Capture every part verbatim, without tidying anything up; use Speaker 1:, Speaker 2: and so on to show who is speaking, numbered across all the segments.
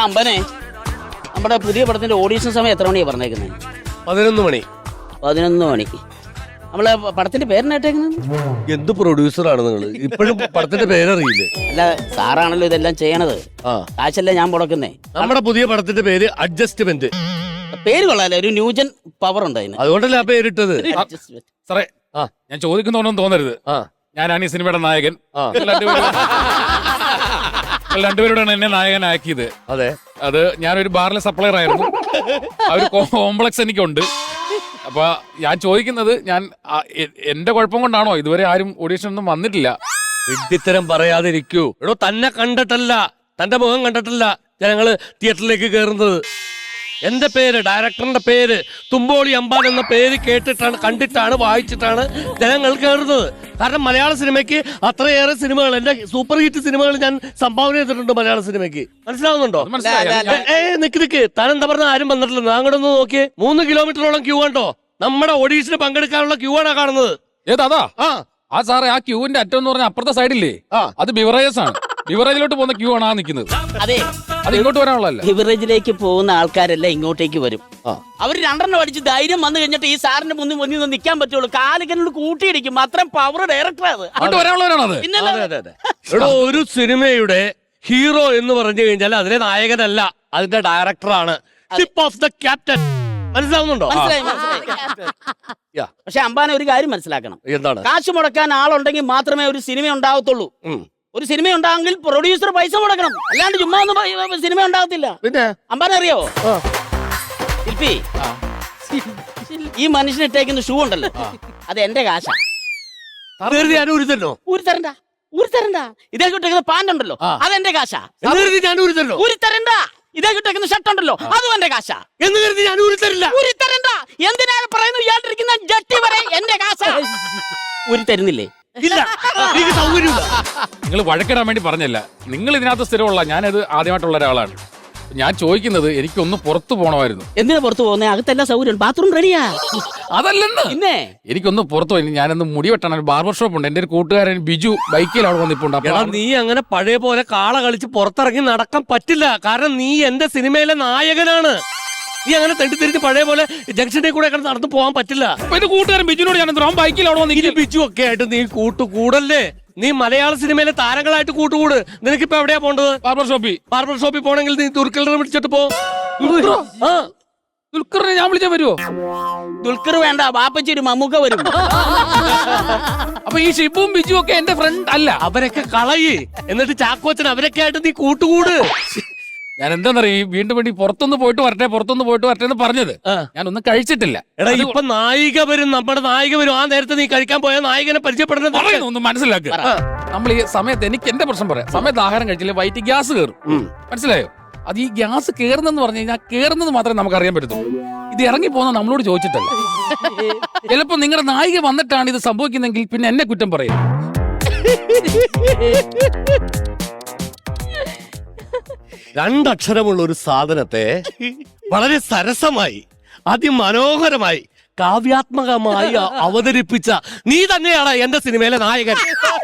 Speaker 1: അമ്പനെ, നമ്മുടെ പുതിയ പടത്തിന്റെ ഓഡീഷൻ സമയം എത്ര മണിയാ പറഞ്ഞേക്കുന്നത്?
Speaker 2: പതിനൊന്ന് മണി.
Speaker 1: പതിനൊന്ന് മണി. നമ്മളെ പടത്തിന്റെ പേരിനേട്ടേക്കുന്നത്
Speaker 2: എന്ത് പ്രൊഡ്യൂസറാണ് നിങ്ങൾ? ഇപ്പോഴും പടത്തിന്റെ പേരറിയില്ലേ?
Speaker 1: അല്ല, സാറാണല്ലോ ഇതെല്ലാം ചെയ്യണത്.
Speaker 2: ആ,
Speaker 1: കാശല്ലേ ഞാൻ മുടക്കുന്നേ.
Speaker 2: നമ്മുടെ പുതിയ പടത്തിന്റെ പേര് അഡ്ജസ്റ്റ്മെന്റ്.
Speaker 1: പേര് കൊള്ളാല്ലേ, ഒരു ന്യൂജൻ പവർ ഉണ്ട് അതിന്.
Speaker 2: അതുകൊണ്ടല്ലേ ആ പേരിട്ടത്.
Speaker 3: സാറേ,
Speaker 2: ആ,
Speaker 3: ഞാൻ ചോദിക്കുന്നോന്നും തോന്നരുത്.
Speaker 2: ആ,
Speaker 3: ഞാനാണ് ഈ സിനിമയുടെ നായകൻ.
Speaker 2: ആ.
Speaker 3: രണ്ടുപേരോടാണ് എന്നെ നായകനാക്കിയത്.
Speaker 2: അതെ.
Speaker 3: അത് ഞാനൊരു ബാറിലെ സപ്ലയർ ആയിരുന്നു. ആ ഒരു കോംപ്ലക്സ് എനിക്കുണ്ട്. അപ്പൊ ഞാൻ ചോദിക്കുന്നത്, ഞാൻ എന്റെ കുഴപ്പം കൊണ്ടാണോ ഇതുവരെ ആരും ഓഡീഷൻ ഒന്നും വന്നിട്ടില്ല?
Speaker 2: വിഡ്ഢിത്തരം പറയാതിരിക്കൂ. എടോ, തന്നെ കണ്ടിട്ടല്ല, തന്റെ മുഖം കണ്ടിട്ടല്ല ജനങ്ങള് തിയേറ്ററിലേക്ക് കയറുന്നത്. എന്റെ പേര്, ഡയറക്ടറിന്റെ പേര് തുമ്പോളി അമ്പാൻ എന്ന പേര് കേട്ടിട്ടാണ്, കണ്ടിട്ടാണ്, വായിച്ചിട്ടാണ് ജനങ്ങൾ കയറുന്നത്. കാരണം മലയാള സിനിമയ്ക്ക് അത്രയേറെ സിനിമകൾ, എന്റെ സൂപ്പർ ഹിറ്റ് സിനിമകൾ ഞാൻ സംഭാവന ചെയ്തിട്ടുണ്ട് മലയാള സിനിമയ്ക്ക്. മനസ്സിലാവുന്നുണ്ടോ? ഏ നിക്ക് നിക്ക്, താൻ എന്താ പറഞ്ഞ ആരും വന്നിട്ടില്ല. അങ്ങോട്ട് ഒന്ന് നോക്കിയേ, മൂന്ന് കിലോമീറ്ററോളം ക്യൂ കണ്ടോ? നമ്മുടെ ഓഡീഷന് പങ്കെടുക്കാനുള്ള ക്യൂ ആണ് കാണുന്നത്.
Speaker 3: ഏതാ?
Speaker 2: ആ
Speaker 3: ആ സാറേ, ആ ക്യൂവിന്റെ അറ്റം എന്ന് പറഞ്ഞ അപ്പുറത്തെ സൈഡില്ലേ, അത് ബിവറേജസ് ആണ്. ബിവറേജിലോട്ട് പോകുന്ന ക്യൂ ആണ് ആ നിൽക്കുന്നത്.
Speaker 1: അതെ,
Speaker 3: അത് ഇങ്ങോട്ട് വരാനുള്ളതല്ല.
Speaker 1: ബിവറേജിലേക്ക് പോകുന്ന ആൾക്കാരെല്ലാം ഇങ്ങോട്ടേക്ക് വരും. അവര് രണ്ടെണ്ണം അടിച്ച് ധൈര്യം വന്നു കഴിഞ്ഞിട്ട് ഈ സാറിന്റെ മുന്നിൽ മുന്നിൽ നിന്ന് നിൽക്കാൻ പറ്റുള്ളൂ. കാലിക്കനോട് കൂട്ടിയിടിക്കും. അത്രയും പവർ ഡയറക്ടർ അത്.
Speaker 3: അങ്ങോട്ട് വരാനുള്ളവരാണത്.
Speaker 2: എടോ, ഒരു സിനിമയുടെ ഹീറോ എന്ന് പറഞ്ഞു കഴിഞ്ഞാൽ അതിലെ നായകനല്ല, അതിന്റെ ഡയറക്ടറാണ്. Ship of the captain. മനസ്സിലാവുന്നുണ്ടോ?
Speaker 1: മനസ്സിലായി, മനസ്സിലായി. പക്ഷെ അമ്പാനെ ഒരു കാര്യം മനസ്സിലാക്കണം.
Speaker 2: എന്താണ്?
Speaker 1: കാശ് മുടക്കാൻ ആളുണ്ടെങ്കിൽ മാത്രമേ ഒരു സിനിമ ഉണ്ടാകത്തുള്ളൂ. ഒരു സിനിമ ഉണ്ടാകുമെങ്കിൽ പ്രൊഡ്യൂസർ പൈസ മുടക്കണം. അല്ലാണ്ട് ചുമ്മാ ഒന്നും സിനിമ ഉണ്ടാകത്തില്ല.
Speaker 2: പിന്നെ
Speaker 1: അമ്പാനെ അറിയാവോ ശില്പി, ഈ മനുഷ്യന് ഇട്ടേക്കുന്ന ഷൂ ഉണ്ടല്ലോ, അത് എന്റെ കാശാ.
Speaker 2: ഞാൻ ഊരിത്തല്ലോ.
Speaker 1: ഊരി തരണ്ട, ഊരി തരണ്ട. ഇതേ കിട്ടേക്കുന്ന പാന്റ് ഉണ്ടല്ലോ, അതെന്റെ കാശാ.
Speaker 2: ഞാൻ ഊരിത്തല്ലോ.
Speaker 1: ഊരി തരണ്ട. ഇതേ കിട്ടേക്കുന്ന ഷർട്ട് ഉണ്ടല്ലോ, അതും എന്റെ കാശാ.
Speaker 2: എന്ന് കരുതി ഞാൻ ഊരിത്തരില്ല.
Speaker 1: ഊരി തരണ്ട. എന്തിനാണ് പറയുന്നത്? ഇയാളിരിക്കുന്ന ജട്ടി വരെ എന്റെ കാശാ. ഊരി തരുന്നില്ലേ?
Speaker 2: ഇല്ല, എനിക്ക് സൗകര്യമില്ല.
Speaker 3: നിങ്ങൾ വഴക്കിടാൻ വേണ്ടി പറഞ്ഞല്ല. നിങ്ങൾ ഇതിനകത്ത് സ്ഥിരമുള്ള, ഞാനത് ആദ്യമായിട്ടുള്ള ഒരാളാണ്. ഞാൻ ചോദിക്കുന്നത്, എനിക്കൊന്ന് പുറത്തു പോകണമായിരുന്നു.
Speaker 1: എന്തിനാ പുറത്തു പോകുന്നത്? അകത്തെല്ലാം സൗകര്യം, ബാത്റൂം റെഡിയാ.
Speaker 3: അതല്ലെന്ന്,
Speaker 1: പിന്നെ
Speaker 3: എനിക്കൊന്ന് പുറത്തു പോയി. ഞാനൊന്ന് മുടി വെട്ടണം. ഒരു ബാർബർ ഷോപ്പ് ഉണ്ട്. എന്റെ ഒരു കൂട്ടുകാരൻ ബിജു ബൈക്കിൽ അവിടെ വന്നിപ്പുണ്ട്.
Speaker 2: എടാ, നീ അങ്ങനെ പഴയ പോലെ കാള കളിച്ച് പുറത്തിറങ്ങി നടക്കാൻ പറ്റില്ല. കാരണം നീ എന്റെ സിനിമയിലെ നായകനാണ്. നീ അങ്ങനെ തെണ്ടിത്തിരിച്ച് പഴയ പോലെ ജംഗ്ഷനിൽ കൂടെ നടന്നു പോകാൻ പറ്റില്ല.
Speaker 3: എന്റെ കൂട്ടുകാരൻ ബിജുനോട് ഞാൻ എന്തിനാ ബൈക്കിൽ അവിടെ വന്നിട്ട്
Speaker 2: ബിജു ഒക്കെ ആയിട്ട് നീ കൂട്ടുകൂടല്ലേ? നീ മലയാള സിനിമയിലെ താരങ്ങളായിട്ട് കൂട്ടുകൂട്. നിനക്കിപ്പോ എവിടെയാ പോണ്ടത്?
Speaker 3: ബാർബർ ഷോപ്പിൽ.
Speaker 2: ബാർബർ ഷോപ്പിൽ പോണെങ്കിൽ നീ ദുൽഖറിനെ വിളിച്ചിട്ട് പോ. ആ,
Speaker 3: ദുൽഖറിനെ ഞാൻ വിളിച്ചാൽ വരുമോ?
Speaker 1: ദുൽഖർ വേണ്ട, ബാപ്പച്ചി ഒരു മമ്മൂക്ക വരും.
Speaker 3: അപ്പൊ ഈ ഷിബുവും ബിജു ഒക്കെ എന്റെ ഫ്രണ്ട് അല്ല?
Speaker 2: അവരൊക്കെ കളയി. എന്നിട്ട് ചാക്കോച്ചൻ അവരൊക്കെ ആയിട്ട് നീ കൂട്ടുകൂട്.
Speaker 3: ഞാൻ എന്താന്നറിയ, വീണ്ടും വേണ്ടി പുറത്തൊന്ന് പോയിട്ട് വരട്ടെ, പുറത്തൊന്ന് പോയിട്ട് വരട്ടെ എന്ന് പറഞ്ഞത്. ഞാനൊന്നും കഴിച്ചിട്ടില്ല.
Speaker 2: എടാ, ഇപ്പൊ നായിക വരും, നമ്മുടെ നായിക വരും. ആ നേരത്തെ നീ കഴിക്കാൻ പോയ നായികനെ പരിചയപ്പെടുന്നത്
Speaker 3: ഒന്ന് മനസ്സിലാക്കുക. നമ്മൾ ഈ സമയത്ത്, എനിക്ക് എന്റെ പ്രശ്നം പറയാം, സമയത്ത് ആഹാരം കഴിച്ചില്ലേ വയറ്റിൽ ഗ്യാസ് കയറും. മനസ്സിലായോ? അത് ഈ ഗ്യാസ് കയറുന്നെന്ന് പറഞ്ഞു കഴിഞ്ഞാൽ കയറുന്നത് മാത്രമേ നമുക്ക് അറിയാൻ പറ്റത്തുള്ളൂ. ഇത് ഇറങ്ങി പോകുന്ന നമ്മളോട് ചോദിച്ചിട്ടല്ല. ചിലപ്പോ നിങ്ങളുടെ നായിക വന്നിട്ടാണ് ഇത് സംഭവിക്കുന്നെങ്കിൽ പിന്നെ എന്നെ കുറ്റം പറയും.
Speaker 2: രണ്ടക്ഷരമുള്ള ഒരു സാധനത്തെ വളരെ സരസമായി, അതിമനോഹരമായി, കാവ്യാത്മകമായി അവതരിപ്പിച്ച നീ തന്നെയാണ് എന്റെ സിനിമയിലെ നായകൻ.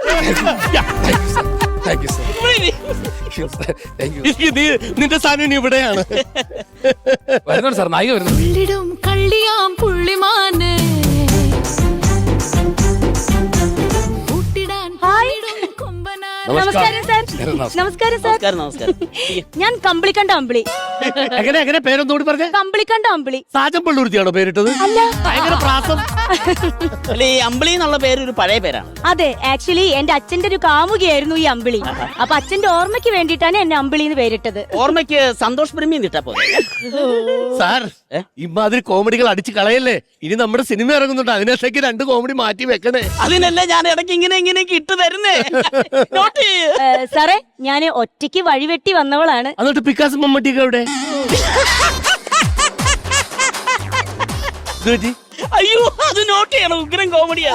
Speaker 2: നീ നിന്റെ സ്ഥാനം ഇവിടെയാണ്.
Speaker 3: വരുന്നുണ്ട് സാർ, നായിക വരുന്നു.
Speaker 4: നമസ്കാരം സാർ. നമസ്കാരം സാർ.
Speaker 1: നമസ്കാരം.
Speaker 4: ഞാൻ കമ്പിളിക്കണ്ട അമ്പിളി.
Speaker 2: എങ്ങനെ എങ്ങനെ പേരൊന്നുകൂടി പറഞ്ഞേ?
Speaker 4: കമ്പിളിക്കണ്ട അമ്പിളി.
Speaker 2: സാജൻ പള്ളൂർത്തിയാണോ പേരിട്ടത്?
Speaker 4: അല്ല,
Speaker 2: ഭയങ്കര പ്രാസം.
Speaker 1: അല്ല, ഈ അമ്പിളി എന്നുള്ള പേര് ഒരു പഴയ പേരാണ്.
Speaker 4: അതെ, ആക്ച്വലി എന്റെ അച്ഛന്റെ ഒരു കാമുകയായിരുന്നു ഈ അമ്പിളി. അപ്പൊ അച്ഛന്റെ ഓർമ്മയ്ക്ക് വേണ്ടിയിട്ടാണ് എന്നെ അമ്പിളി എന്ന് പേരിട്ടത്.
Speaker 1: ഓർമ്മയ്ക്ക് സന്തോഷ് ബ്രഹ്മി നിട്ടാ പോലെ.
Speaker 2: സാർ, ഇമാതിരി കോമഡികൾ അടിച്ചു കളയല്ലേ. ഇനി നമ്മുടെ സിനിമ ഇറങ്ങുന്നുണ്ട്, അതിനേക്ക് രണ്ട് കോമഡി മാറ്റി വെക്കണേ.
Speaker 1: അതിനല്ലേ ഞാൻ ഇടയ്ക്ക് ഇങ്ങനെ ഇങ്ങനെ ഇട്ട് തരുന്നേ.
Speaker 4: സാറേ, ഞാന് ഒറ്റയ്ക്ക് വഴിവെട്ടി വന്നവളാണ്.
Speaker 2: എന്നിട്ട് പിക്കാസ് മമ്മട്ടിയൊക്കെ എവിടെ?
Speaker 1: അയ്യോ, അത് നോട്ട് ചെയ്യണം. ഉഗ്രം കോമഡിയാ.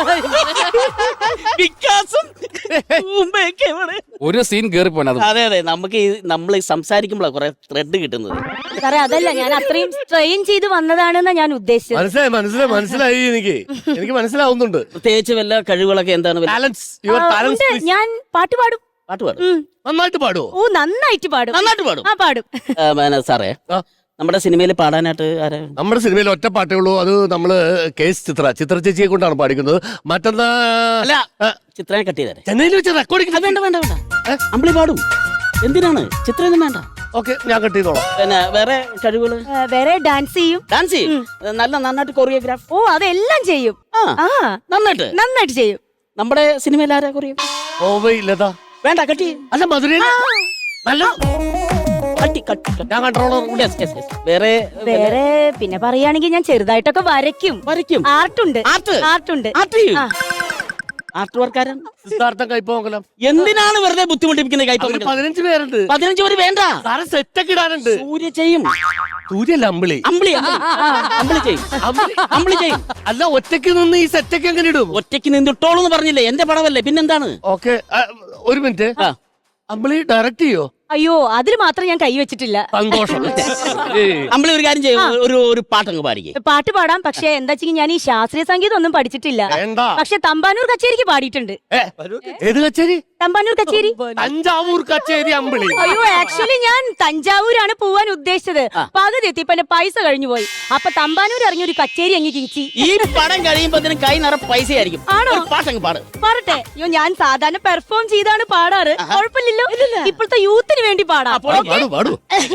Speaker 3: ഒരു സീൻ കേറി പോണത്.
Speaker 1: അതെ അതെ, നമുക്ക് നമ്മൾ സംസാരിക്കുമ്പോഴാണ് കുറെ ത്രെഡ് കിട്ടുന്നത്.
Speaker 4: സാറേ, അതല്ല, ഞാൻ അത്രയും സ്ട്രെയിൻ ചെയ്ത് വന്നതാണെന്നാ ഞാൻ ഉദ്ദേശിച്ചത്.
Speaker 2: മനസ്സിലായി മനസ്സിലായി മനസ്സിലായി എനിക്ക് എനിക്ക് മനസ്സിലാവുന്നുണ്ട്.
Speaker 1: പ്രത്യേകിച്ച് വല്ല കഴിവുകളൊക്കെ എന്താണ്?
Speaker 2: ഞാൻ പാട്ട് പാടും.
Speaker 1: പാട്ട് പാടും
Speaker 4: ഉം.
Speaker 2: നന്നായിട്ട് പാടുവോ?
Speaker 4: ഓ നന്നായിട്ട് പാടും
Speaker 1: നന്നായിട്ട് പാടും
Speaker 4: ആ പാടും
Speaker 1: ആ, പിന്നെ സാറേ
Speaker 2: ആ.
Speaker 1: നമ്മുടെ സിനിമയിൽ പാടാനായിട്ട് ആരാ?
Speaker 2: നമ്മുടെ സിനിമയിൽ ഒറ്റ പാട്ടേ ഉള്ളൂ. അത് നമ്മള് കേസ് ചിത്ര ചിത്ര ചേച്ചിയെ കൊണ്ടാണ് പാടിക്കുന്നത്. മറ്റന്നാ
Speaker 1: അല്ല ചിത്രനെ കട്ട് ചെയ്തേ.
Speaker 2: ചെന്നൈയിൽ വെച്ച് റെക്കോർഡിംഗ്.
Speaker 1: വേണ്ട വേണ്ട വേണ്ട അമ്പിളി പാടും. എന്തിനാണ് ചിത്രമൊന്നും വേണ്ട.
Speaker 2: ഓക്കെ, ഞാൻ കട്ട് ചെയ്തോളാം.
Speaker 1: പിന്നെ വേറെ കഴിവുകള്?
Speaker 4: ഏ, വേറെ ഡാൻസ് ചെയ്യും.
Speaker 1: ഡാൻസ് ചെയ്യും. നല്ല നന്നായിട്ട് കൊറിയോഗ്രാഫ്.
Speaker 4: ഓ അതെല്ലാം ചെയ്യും.
Speaker 1: ആ
Speaker 4: ആ
Speaker 1: നന്നായിട്ട്
Speaker 4: നന്നായിട്ട് ചെയ്യും.
Speaker 1: നമ്മുടെ സിനിമയിൽ ആരാ കൊറിയോഗ്രാഫ്?
Speaker 2: ഓവയില്ലതാ.
Speaker 1: വേണ്ട കട്ട് ചെയ്യും.
Speaker 2: അല്ല മധുരയിൽ നല്ല
Speaker 1: കട്ടി കട്ടി കട്ടി.
Speaker 2: ഞാൻ കൺട്രോളർ.
Speaker 1: Yes, yes, yes. വേറെ
Speaker 4: വേറെ പിന്നെ പറയുകയാണെങ്കിൽ ഞാൻ ചെറുതായിട്ടൊക്കെ വരയ്ക്കും.
Speaker 1: വരയ്ക്കും.
Speaker 4: ആർട്ടുണ്ട്
Speaker 1: ആർട്ട്
Speaker 4: ആർട്ടുണ്ട്
Speaker 1: ആർട്ട് ചെയ്യും.
Speaker 4: ആ.
Speaker 1: ആർട്ട് വർക്കാരൻ.
Speaker 2: സിദ്ധാർത്ഥം കൈപ്പോങ്കലം.
Speaker 1: എന്തിനാണ് വെറുതെ ബുദ്ധിമുട്ടിപ്പിക്കുന്നത്?
Speaker 2: അവര്
Speaker 1: കൈപ്പ
Speaker 2: പതിനഞ്ച് പേരുണ്ട്.
Speaker 1: പതിനഞ്ച് പേര് വേണ്ട.
Speaker 2: സാറെ സെറ്റൊക്കെ ഇടാനുണ്ട്.
Speaker 1: സൂര്യ ചെയ്യും.
Speaker 2: സൂര്യല്ല അമ്പിളി.
Speaker 1: അമ്പിളി അമ്പിളി. അമ്പിളി ചെയ്യും.
Speaker 2: അമ്പിളി
Speaker 1: അമ്പിളി ചെയ്യും.
Speaker 2: അല്ല, ഒറ്റയ്ക്ക് നിന്ന് ഈ സെറ്റൊക്കെ എങ്ങനെ ഇടും?
Speaker 1: ഒറ്റയ്ക്ക് നിന്നിട്ടോളൂ എന്ന് പറഞ്ഞില്ലേ? എന്റെ പടമല്ലേ, പിന്നെന്താണ്?
Speaker 2: ഓക്കെ, ഒരു മിനിറ്റ്.
Speaker 1: ആ.
Speaker 2: അമ്പിളി ഡയറക്റ്റ് ചെയ്യോ?
Speaker 4: അയ്യോ അതിൽ മാത്രം ഞാൻ കൈ വെച്ചിട്ടില്ല.
Speaker 2: സന്തോഷം. ഏയ്.
Speaker 1: അമ്പിളി ഒരു കാര്യം ചെയ്യും, ഒരു ഒരു പാട്ടങ്ങ് പാടിക്കേ.
Speaker 4: പാട്ട് പാടാം, പക്ഷെ എന്താ വെച്ചാൽ ഞാൻ ഈ ശാസ്ത്രീയ സംഗീതം ഒന്നും പഠിച്ചിട്ടില്ല.
Speaker 2: വേണ്ട.
Speaker 4: പക്ഷെ തമ്പാനൂർ കച്ചേരിക്ക് പാടിയിട്ടുണ്ട്.
Speaker 2: ഏ, ഏത് കച്ചേരി?
Speaker 4: തമ്പാനൂർ കച്ചേരി.
Speaker 2: തഞ്ചാവൂർ കച്ചേരി അമ്പിളി.
Speaker 4: അയ്യോ ആക്ച്വലി ഞാൻ തഞ്ചാവൂരാണ് പോവാൻ ഉദ്ദേശിച്ചത്. പകുതി എത്തിയപ്പോ എന്റെ പൈസ കഴിഞ്ഞു പോയി. അപ്പൊ തമ്പാനൂർ ഇറങ്ങി ഒരു കച്ചേരി അങ്ങ് കിഴിച്ചി.
Speaker 1: ഈ പടം കഴിയുമ്പോ കൈ നിറ പൈസ ആയിരിക്കും.
Speaker 4: ആണോ?
Speaker 1: പാട്ടങ്ങ് പാട്.
Speaker 4: പറട്ടെ. അയ്യോ ഞാൻ സാധാരണ പെർഫോം ചെയ്താണ് പാടാറ്. കുഴപ്പമില്ലല്ലോ. ഇപ്പോഴത്തെ യൂത്തിന് വേണ്ടി പാടാം.
Speaker 1: അപ്പോൾ
Speaker 2: പാടു പാടു.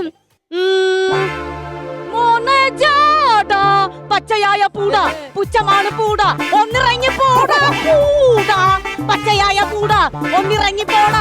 Speaker 4: ഉം. മോനെ ജാടാ, പച്ചയായ പൂട പുച്ഛമാണ് പൂട ഒന്നിറങ്ങി പോട പൂട പച്ചയായ പൂട ഒന്നിറങ്ങി പോട.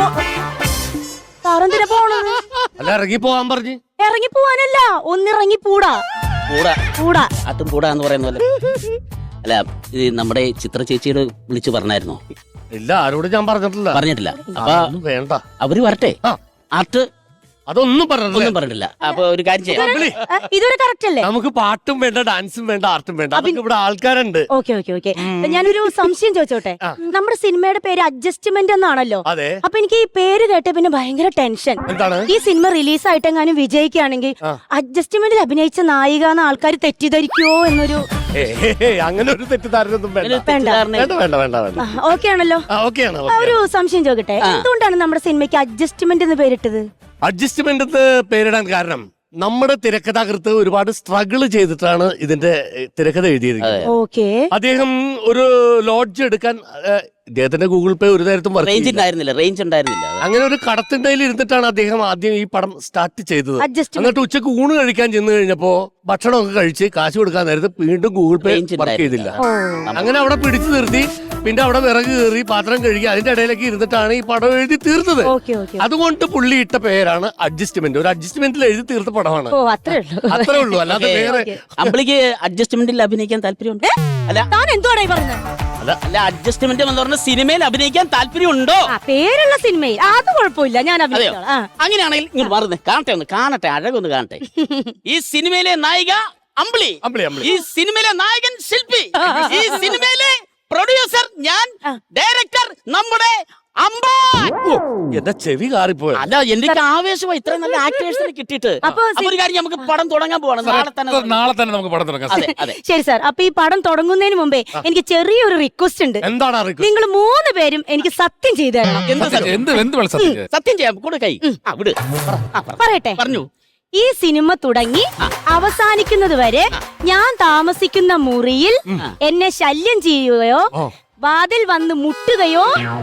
Speaker 4: സാറെന്തിനാ പോണത്?
Speaker 2: അല്ല, ഇറങ്ങി പോവാൻ പറഞ്ഞു.
Speaker 4: ഇറങ്ങി പോവാനല്ല, ഒന്നിറങ്ങി പൂടാ
Speaker 1: കൂടാ
Speaker 4: പൂടാ.
Speaker 1: അതും കൂടാ എന്ന് പറയുന്ന പോലെ. അല്ല ഇത് നമ്മുടെ ചിത്ര ചേച്ചിയോട് വിളിച്ചു പറഞ്ഞായിരുന്നോ?
Speaker 2: ഇല്ല, ആരോട് ഞാൻ പറഞ്ഞിട്ടില്ല.
Speaker 1: പറഞ്ഞിട്ടില്ല. അപ്പൊ
Speaker 2: അതൊന്നും വേണ്ട.
Speaker 1: അവര് വരട്ടെ.
Speaker 2: ആ.
Speaker 1: ആർട്ട്
Speaker 2: അതൊന്നും പറഞ്ഞിട്ടില്ല.
Speaker 1: ഒന്നും പറഞ്ഞിട്ടില്ല. അപ്പൊ ഒരു കാര്യം ചെയ്യാം.
Speaker 2: അമ്പിളി,
Speaker 4: ഏ, ഇതൊരു കറക്റ്റ് അല്ലേ?
Speaker 2: നമുക്ക് പാട്ടും വേണ്ട, ഡാൻസും വേണ്ട, ആർട്ടും വേണ്ട. അതൊക്കെ ഇവിടെ ആൾക്കാരുണ്ട്.
Speaker 4: ഓക്കെ ഓക്കെ ഓക്കെ ഞാനൊരു സംശയം ചോദിച്ചോട്ടെ. നമ്മുടെ സിനിമയുടെ പേര് അഡ്ജസ്റ്റ്മെന്റ് എന്നാണല്ലോ.
Speaker 2: അതെ.
Speaker 4: അപ്പൊ എനിക്ക് ഈ പേര് കേട്ട പിന്നെ ഭയങ്കര ടെൻഷൻ.
Speaker 2: എന്താണ്?
Speaker 4: ഈ സിനിമ റിലീസ് ആയിട്ടെങ്ങാനും വിജയിക്കുകയാണെങ്കിൽ അഡ്ജസ്റ്റ്മെന്റിൽ അഭിനയിച്ച നായിക എന്ന ആൾക്കാർ തെറ്റിദ്ധരിക്കുവോ എന്നൊരു.
Speaker 2: ഏയ്, ഏയ്, ഏയ്, അങ്ങനെ ഒരു തെറ്റിദ്ധാരണയൊന്നും വേണ്ട.
Speaker 1: തെറ്റിദ്ധാരണ-
Speaker 2: വേണ്ട വേണ്ട വേണ്ട വേണ്ട.
Speaker 4: ഓക്കെ ആണല്ലോ.
Speaker 2: ആ, ഓക്കെയാണ്.
Speaker 4: ആ, ഒരു സംശയം ചോദിക്കട്ടെ, എന്തുകൊണ്ടാണ് നമ്മുടെ സിനിമയ്ക്ക് അഡ്ജസ്റ്റ്മെന്റ് എന്ന് പേരിട്ടത്?
Speaker 2: അഡ്ജസ്റ്റ്മെന്റ് എന്ന് പേരിടാൻ കാരണം നമ്മുടെ തിരക്കഥാകൃത്ത് ഒരുപാട് സ്ട്രഗിൾ ചെയ്തിട്ടാണ് ഇതിന്റെ ഏഹ്, തിരക്കഥ എഴുതിയിരിക്കുന്നത്.
Speaker 4: ഓക്കെ.
Speaker 2: അദ്ദേഹം ഒരു ലോഡ്ജ് എടുക്കാൻ ഏഹ്, ഇദ്ദേഹത്തിന്റെ ഗൂഗിൾ പേ ഒരു നേരത്തും വർക്ക്
Speaker 1: റേഞ്ച്
Speaker 2: ചെയ്യില്ല.
Speaker 1: ഉണ്ടായിരുന്നില്ല. റേഞ്ച് ഉണ്ടായിരുന്നില്ല.
Speaker 2: അങ്ങനെ ഒരു കടത്തിണ്ടയിൽ ഇരുന്നിട്ടാണ് അദ്ദേഹം ആദ്യം ഈ പടം സ്റ്റാർട്ട് ചെയ്തത്.
Speaker 4: Adjustment.
Speaker 2: എന്നിട്ട് ഉച്ചക്ക് ഊണ് കഴിക്കാൻ ചെന്ന് കഴിഞ്ഞപ്പോ ഭക്ഷണമൊക്കെ കഴിച്ച് കാശ് കൊടുക്കാൻ നേരത്ത് വീണ്ടും ഗൂഗിൾ പേ
Speaker 1: Range
Speaker 2: വർക്ക് ചെയ്തില്ല.
Speaker 4: ഓ.
Speaker 2: അങ്ങനെ അവിടെ പിടിച്ചു നിർത്തി. പിന്നെ അവിടെ വിറക് കയറി പാത്രം കഴുകി അതിന്റെ ഇടയിലേക്ക് ഇരുന്നിട്ടാണ് ഈ പടം എഴുതി തീർത്തത്.
Speaker 4: Okay okay.
Speaker 2: അതുകൊണ്ട് പുള്ളി ഇട്ട പേരാണ് അഡ്ജസ്റ്റ്മെന്റ്. ഒരു അഡ്ജസ്റ്റ്മെന്റിൽ എഴുതി തീർത്ത പടമാണ്.
Speaker 4: ഓ അത്രേ ഉള്ളൂ.
Speaker 2: അത്രേ ഉള്ളൂ. അല്ലാതെ വേറെ
Speaker 1: അമ്പിളിക്ക് അഡ്ജസ്റ്റ്മെന്റിൽ അഭിനയിക്കാൻ താല്പര്യമുണ്ട്? അല്ല
Speaker 4: താൻ എന്തുവാണ് ഈ പറഞ്ഞത്?
Speaker 1: അല്ല അഡ്ജസ്റ്റ്മെന്റ് എന്ന് പറഞ്ഞ സിനിമയിൽ അഭിനയിക്കാൻ താല്പര്യമുണ്ടോ?
Speaker 4: ആ പേരുള്ള സിനിമയിൽ അത് കുഴപ്പമില്ല, ഞാൻ
Speaker 1: അതെയോ?
Speaker 4: അഭിനയിച്ചോളാം. ആ.
Speaker 1: അങ്ങനെയാണെങ്കിൽ ഇങ്ങോട്ട് മാറുന്നേ, കാണട്ടെ, ഒന്ന് കാണട്ടെ, അഴകൊന്ന് കാണട്ടെ. ഈ സിനിമയിലെ നായിക അമ്പിളി,
Speaker 2: അമ്പിളി, അമ്പിളി.
Speaker 1: ഈ സിനിമയിലെ നായകൻ ശില്പി, ഈ സിനിമയിലെ പ്രൊഡ്യൂസർ ഞാൻ, ഡയറക്ടർ നമ്മുടെ അമ്പാൻ.
Speaker 2: എന്റെ ചെവി കാറിപ്പോയി.
Speaker 1: അല്ല എനിക്ക് ആവേശമായി ഇത്രയും നല്ല ആക്ടേഴ്സിനെ കിട്ടിയിട്ട്.
Speaker 4: അപ്പൊ
Speaker 1: അപ്പൊ ഒരു കാര്യം, നമുക്ക് പടം തുടങ്ങാൻ പോവാണ് നാളെ തന്നെ.
Speaker 3: നാളെ തന്നെ നമുക്ക് പടം തുടങ്ങാം.
Speaker 1: അതെ അതെ.
Speaker 4: ശരി സാർ, അപ്പൊ ഈ പടം തുടങ്ങുന്നതിന് മുമ്പേ എനിക്ക് ചെറിയൊരു റിക്വസ്റ്റ് ഉണ്ട്.
Speaker 2: എന്താണ് അറിയിക്കുക?
Speaker 4: നിങ്ങൾ മൂന്ന് പേരും എനിക്ക് സത്യം ചെയ്തു തരണം.
Speaker 1: എന്ത് സത്യം?
Speaker 3: എന്ത് എന്ത് വിളിച്ചു
Speaker 1: സത്യം ചെയ്യാം. കൂടെ കൈ ആ വിട്. പറ. ആ, പറ.
Speaker 4: പറയട്ടെ.
Speaker 1: പറഞ്ഞു.
Speaker 4: ഈ സിനിമ തുടങ്ങി അവസാനിക്കുന്നത് വരെ ഞാൻ താമസിക്കുന്ന മുറിയിൽ എന്നെ ശല്യം ചെയ്യുകയോ വാതിൽ വന്ന് മുട്ടുകയോ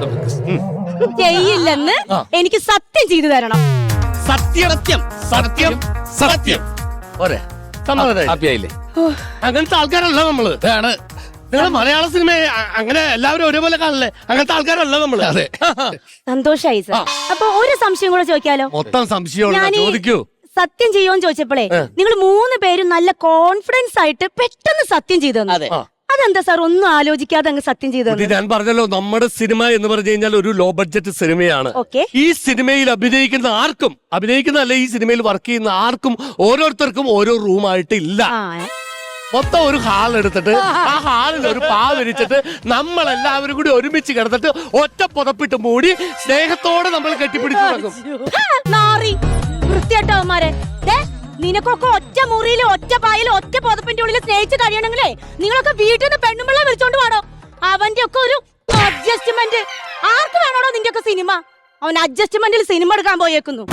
Speaker 4: ചെയ്യില്ലെന്ന് എനിക്ക് സത്യം ചെയ്തു തരണം.
Speaker 2: സത്യം സത്യം സത്യം സത്യം. ഒരേ സമ്മതം.
Speaker 3: ഹാപ്പി ആയില്ലേ?
Speaker 2: അങ്ങനത്തെ ആൾക്കാരല്ല നമ്മള്.
Speaker 3: ഇതാണ്
Speaker 2: നിങ്ങൾ മലയാള സിനിമ അങ്ങനെ എല്ലാവരും ഒരേപോലെ കാണല്ലേ? അങ്ങനത്തെ ആൾക്കാരല്ല നമ്മള്. അതെ.
Speaker 4: സന്തോഷായി സാർ. അപ്പൊ ഒരു സംശയം കൂടെ ചോദിക്കാലോ?
Speaker 2: മൊത്തം സംശയമുള്ള
Speaker 4: ഞാനീ
Speaker 2: ചോദിക്കൂ.
Speaker 4: സത്യം ചെയ്യുമെന്ന് ചോദിച്ചപ്പോഴേ നിങ്ങൾ മൂന്ന് പേരും നല്ല കോൺഫിഡൻസ് ആയിട്ട് പെട്ടെന്ന് സത്യം ചെയ്തു തന്നു.
Speaker 1: അതെ.
Speaker 4: അതെന്താ സാർ ഒന്നും ആലോചിക്കാതെ അങ്ങ് സത്യം ചെയ്തു
Speaker 2: ഇത്
Speaker 4: തന്നു?
Speaker 2: ഞാൻ പറഞ്ഞല്ലോ, നമ്മുടെ സിനിമ എന്ന് പറഞ്ഞു കഴിഞ്ഞാൽ ഒരു ലോ ബഡ്ജറ്റ് സിനിമയാണ്.
Speaker 4: ഓക്കെ.
Speaker 2: ഈ സിനിമയിൽ അഭിനയിക്കുന്ന ആർക്കും, അഭിനയിക്കുന്ന അല്ലെ ഈ സിനിമയിൽ വർക്ക് ചെയ്യുന്ന ആർക്കും ഓരോരുത്തർക്കും ഓരോ റൂമായിട്ട് ഇല്ല.
Speaker 4: ആ
Speaker 2: മൊത്തം ഒരു ഹാൾ എടുത്തിട്ട് ആ ഹാളിൽ ഒരു പാ വിരിച്ചിട്ട് നമ്മൾ എല്ലാവരും കൂടി ഒരുമിച്ച് കിടന്നിട്ട് ഒറ്റ പുതപ്പിട്ട് മൂടി സ്നേഹത്തോടെ നമ്മൾ കെട്ടിപ്പിടിച്ചു നടക്കും.
Speaker 4: നാറി വൃത്തിയായിട്ടവന്മാരെ. നിനക്കൊക്കെ ഒറ്റ മുറിയിൽ ഒറ്റ പായൽ ഒറ്റ പുതപ്പിന്റെ ഉള്ളിൽ സ്നേഹിച്ച് കഴിയണമെങ്കിലേ നിങ്ങളൊക്കെ വീട്ടിൽ നിന്ന് പെണ്ണുമ്പിള്ള വിളിച്ചോണ്ട് പോണോ? അവന്റെ ഒക്കെ ഒരു അഡ്ജസ്റ്റ്മെന്റ്. ആർക്ക് വേണോടോ നിന്റെ ഒക്കെ സിനിമ? അവൻ അഡ്ജസ്റ്റ്മെന്റിൽ സിനിമ എടുക്കാൻ പോയേക്കുന്നു.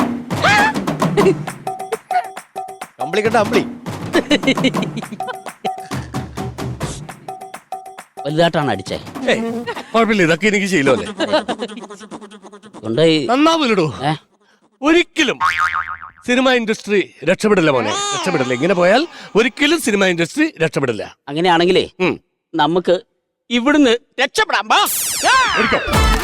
Speaker 5: കമ്പിളിക്കട്ട അമ്പിളി.
Speaker 1: വലുതായിട്ടാണ് അടിച്ചേ.
Speaker 2: ഏയ്, കുഴപ്പമില്ല, ഇതൊക്കെ എനിക്ക് ശീലമല്ലേ.
Speaker 1: കൊണ്ടുപോയി
Speaker 2: നന്നാവില്ലടോ.
Speaker 1: ഏ
Speaker 2: ഒരിക്കലും സിനിമ ഇൻഡസ്ട്രി രക്ഷപ്പെടില്ല മോനെ, രക്ഷപ്പെടില്ല. ഇങ്ങനെ പോയാൽ ഒരിക്കലും സിനിമ ഇൻഡസ്ട്രി രക്ഷപ്പെടില്ല.
Speaker 1: അങ്ങനെയാണെങ്കിലേ
Speaker 2: ഉം.
Speaker 1: നമുക്ക് ഇവിടുന്ന് രക്ഷപ്പെടാം. ബാ.
Speaker 2: ഒരിക്കൽ